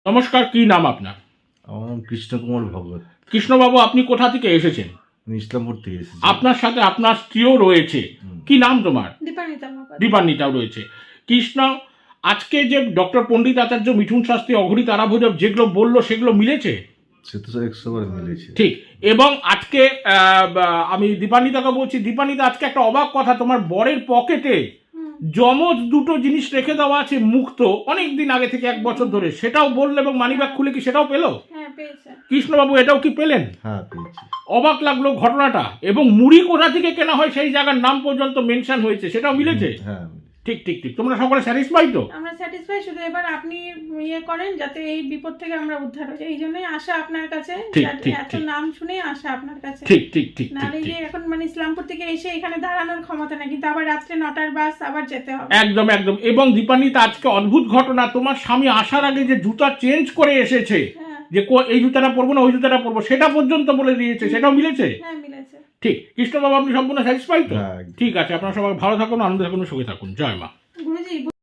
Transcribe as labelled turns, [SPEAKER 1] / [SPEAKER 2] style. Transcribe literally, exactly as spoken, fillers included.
[SPEAKER 1] নমস্কার, কি নাম আপনার?
[SPEAKER 2] আমার নাম কৃষ্ণকুমার ভগত।
[SPEAKER 1] কৃষ্ণবাবু, আপনি কোথা থেকে এসেছেন?
[SPEAKER 2] আমি ইসলামপুর থেকে এসেছি।
[SPEAKER 1] আপনার সাথে আপনার স্ত্রীও রয়েছে। কি নাম তোমার?
[SPEAKER 3] দীপান্বিতা মহাপাত্র।
[SPEAKER 1] দীপান্বিতাও রয়েছে। কৃষ্ণ, আজকে যে ডক্টর পণ্ডিত আচার্য মিঠুন শাস্ত্রী অঘরী তারাভৈরব যেগুলো বললো সেগুলো মিলেছে?
[SPEAKER 2] সে তো একশো বার মিলেছে।
[SPEAKER 1] ঠিক। এবং আজকে আহ, বা- আমি দীপান্বিতাকে বলছি, দীপান্বিতা, আজকে একটা অবাক কথা, তোমার বরের পকেটে যমজ দুটো জিনিস রেখে দেওয়া আছে মুক্ত, অনেক দিন আগে থেকে, এক বছর ধরে, সেটাও বললে এবং মানিব্যাগ খুলে কি সেটাও পেলো?
[SPEAKER 3] হ্যাঁ, পেয়েছে।
[SPEAKER 1] কৃষ্ণবাবু, এটাও কি পেলেন?
[SPEAKER 2] হ্যাঁ, পেয়েছি।
[SPEAKER 1] অবাক লাগলো ঘটনাটা। এবং মুড়ি কোথা থেকে কেনা হয় সেই জায়গার নাম পর্যন্ত মেনশন হয়েছে, সেটাও মিলেছে।
[SPEAKER 2] হ্যাঁ,
[SPEAKER 1] ঠিক ঠিক ঠিক। তোমরা সকলে স্যাটিসফাই তো?
[SPEAKER 3] আমরা স্যাটিসফাই, শুধু এবার আপনি ইয়ে করেন যাতে এই বিপদ থেকে আমরা উদ্ধার হই, এই জন্যই আশা আপনার কাছে।
[SPEAKER 1] ঠিক,
[SPEAKER 3] যাতে
[SPEAKER 1] ঠিক,
[SPEAKER 3] এত
[SPEAKER 1] ঠিক।
[SPEAKER 3] নাম শুনে আশা আপনার কাছে।
[SPEAKER 1] ঠিক ঠিক ঠিক ঠিক
[SPEAKER 3] নাহলে
[SPEAKER 1] ঠিক।
[SPEAKER 3] যে এখন মানে ইসলামপুর থেকে এসে এখানে দাঁড়ানোর ক্ষমতা নেই, কিন্তু আবার রাত্রে নটার বাস আবার যেতে হবে।
[SPEAKER 1] একদম একদম। এবং দীপান্বিতা, আজকে অদ্ভুত ঘটনা, তোমার স্বামী আসার আগে যে জুতা চেঞ্জ করে এসেছে,
[SPEAKER 3] হ্যাঁ,
[SPEAKER 1] যে কো- এই জুতাটা পরবো না ওই জুতাটা পরবো, সেটা পর্যন্ত বলে দিয়েছে, সেটাও মিলেছে।
[SPEAKER 3] হ্যাঁ, মিলেছে।
[SPEAKER 1] ঠিক। কৃষ্ণবাবু, আপনি সম্পূর্ণ স্যাটিসফাই তো?
[SPEAKER 2] হ্যাঁ, একদম।
[SPEAKER 1] ঠিক আছে, আপনারা সবাই ভালো থাকুন, আনন্দে থাকুন, সুখে থাকুন। জয় মা।
[SPEAKER 3] গুরুজি